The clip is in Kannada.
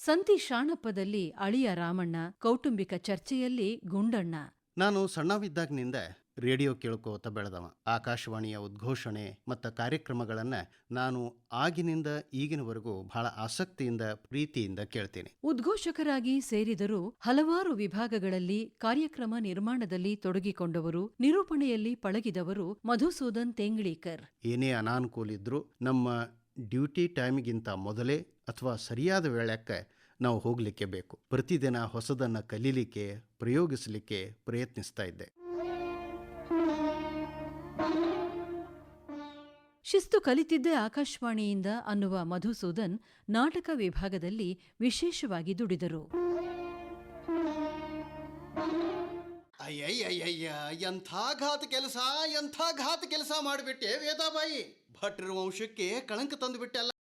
ಸಂತಿ ಶಾಣಪ್ಪದಲ್ಲಿ ಅಳಿಯ ರಾಮಣ್ಣ, ಕೌಟುಂಬಿಕ ಚರ್ಚೆಯಲ್ಲಿ ಗುಂಡಣ್ಣ. ನಾನು ಸಣ್ಣವಿದ್ದಾಗಿನಿಂದ ರೇಡಿಯೋ ಕೇಳ್ಕೋತ ಬೆಳೆದವ. ಆಕಾಶವಾಣಿಯ ಉದ್ಘೋಷಣೆ ಮತ್ತು ಕಾರ್ಯಕ್ರಮಗಳನ್ನು ನಾನು ಆಗಿನಿಂದ ಈಗಿನವರೆಗೂ ಬಹಳ ಆಸಕ್ತಿಯಿಂದ ಪ್ರೀತಿಯಿಂದ ಕೇಳ್ತೀನಿ. ಉದ್ಘೋಷಕರಾಗಿ ಸೇರಿದರೂ ಹಲವಾರು ವಿಭಾಗಗಳಲ್ಲಿ ಕಾರ್ಯಕ್ರಮ ನಿರ್ಮಾಣದಲ್ಲಿ ತೊಡಗಿಕೊಂಡವರು, ನಿರೂಪಣೆಯಲ್ಲಿ ಪಳಗಿದವರು ಮಧುಸೂದನ್ ತೆಂಗ್ಳೀಕರ್. ಏನೇ ಅನಾನುಕೂಲಿದ್ರೂ ನಮ್ಮ ಡ್ಯೂಟಿ ಟೈಮ್ಗಿಂತ ಮೊದಲೇ ಅಥವಾ ಸರಿಯಾದ ವೇಳೆಕ್ಕೆ ನಾವು ಹೋಗಲಿಕ್ಕೆ ಬೇಕು. ಪ್ರತಿದಿನ ಹೊಸದನ್ನು ಕಲೀಲಿಕ್ಕೆ, ಪ್ರಯೋಗಿಸಲಿಕ್ಕೆ ಪ್ರಯತ್ನಿಸ್ತಾ ಇದ್ದೆ. ಶಿಸ್ತು ಕಲಿತಿದ್ದೇ ಆಕಾಶವಾಣಿಯಿಂದ ಅನ್ನುವ ಮಧುಸೂದನ್ ನಾಟಕ ವಿಭಾಗದಲ್ಲಿ ವಿಶೇಷವಾಗಿ ದುಡಿದರು. ಅಯ್ಯಯ್ಯಯ್ಯ, ಎಂಥ ಘಾತ ಕೆಲಸ ಮಾಡಿಬಿಟ್ಟೆ ವೇದಾಬಾಯಿ. ಭಟ್ರ ವಂಶಕ್ಕೆ ಕಳಂಕ ತಂದು ಬಿಟ್ಟೆ ಅಲ್ಲ.